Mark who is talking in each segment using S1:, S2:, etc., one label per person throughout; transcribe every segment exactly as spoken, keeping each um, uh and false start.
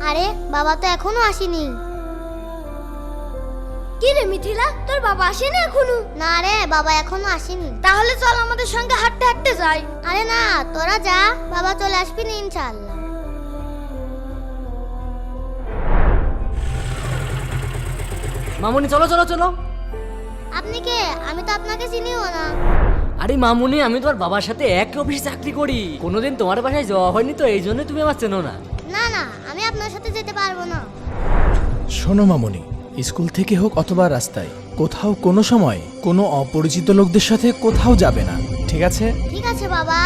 S1: আরে বাবা তো এখনো আসেনি।
S2: কি রে মিথিলা, তোর বাবা আসেনি এখনো?
S1: না রে, বাবা এখনো আসেনি।
S2: তাহলে চল আমাদের সঙ্গে হাঁটতে হাঁটতে যাই।
S1: আরে না, তোরা যা, বাবা চলে আসবি না ইনশাআল্লাহ।
S3: মামুনি চলো চলো চলো।
S1: আপনি কে? আমি তো আপনাকে চিনিও না।
S3: আরে মামুনি, আমি তোমার বাবার সাথে এক অফিসে চাকরি করি। কোনোদিন তোমার বাসায় যাওয়া হয়নি তো এই জন্য তুমি আমার চেনো না।
S1: না না, আমি আপনার সাথে যেতে পারবো না।
S4: শোনো মামুনি, স্কুল থেকে হোক অথবা রাস্তায় কোথাও কোনো সময় কোনো অপরিচিত লোকদের সাথে কোথাও যাবে না, ঠিক আছে?
S1: ঠিক আছে বাবা।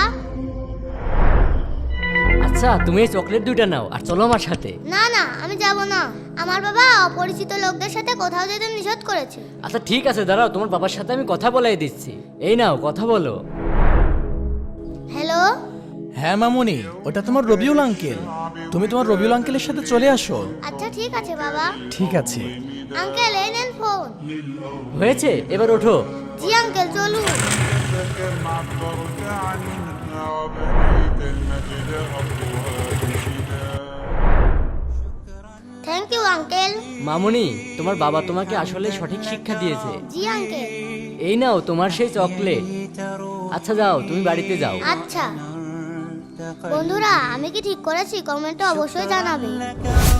S3: আচ্ছা তুমি এই চকলেট দুইটা নাও আর চলো আমার সাথে।
S1: না না, আমি যাব না। আমার বাবা অপরিচিত লোকদের সাথে কোথাও যেতে নিষেধ করেছে।
S3: আচ্ছা ঠিক আছে, দাঁড়াও, তোমার বাবার সাথে আমি কথা বলাই দিচ্ছি। এই নাও, কথা বলো।
S1: হ্যালো।
S4: হ্যাঁ মামুনি, ওটা তোমার রবিউল আঙ্কেল। তুমি তোমার রবিউল আঙ্কেলের সাথে চলে আসো।
S1: আচ্ছা ঠিক আছে বাবা।
S4: ঠিক আছে।
S1: আঙ্কেল এই নেন ফোন।
S3: হয়েছে, এবার ওঠো।
S1: জি আঙ্কেল, চলুন। Thank you uncle.
S3: মামুনি, তোমার বাবা তোমাকে আসলে সঠিক শিক্ষা দিয়েছে।
S1: জি আঙ্কেল।
S3: এই নাও তোমার সেই চকলেট। আচ্ছা যাও, তুমি বাড়িতে যাও।
S1: আচ্ছা বন্ধুরা, আমি কি ঠিক করেছি কমেন্টে অবশ্যই জানাবে।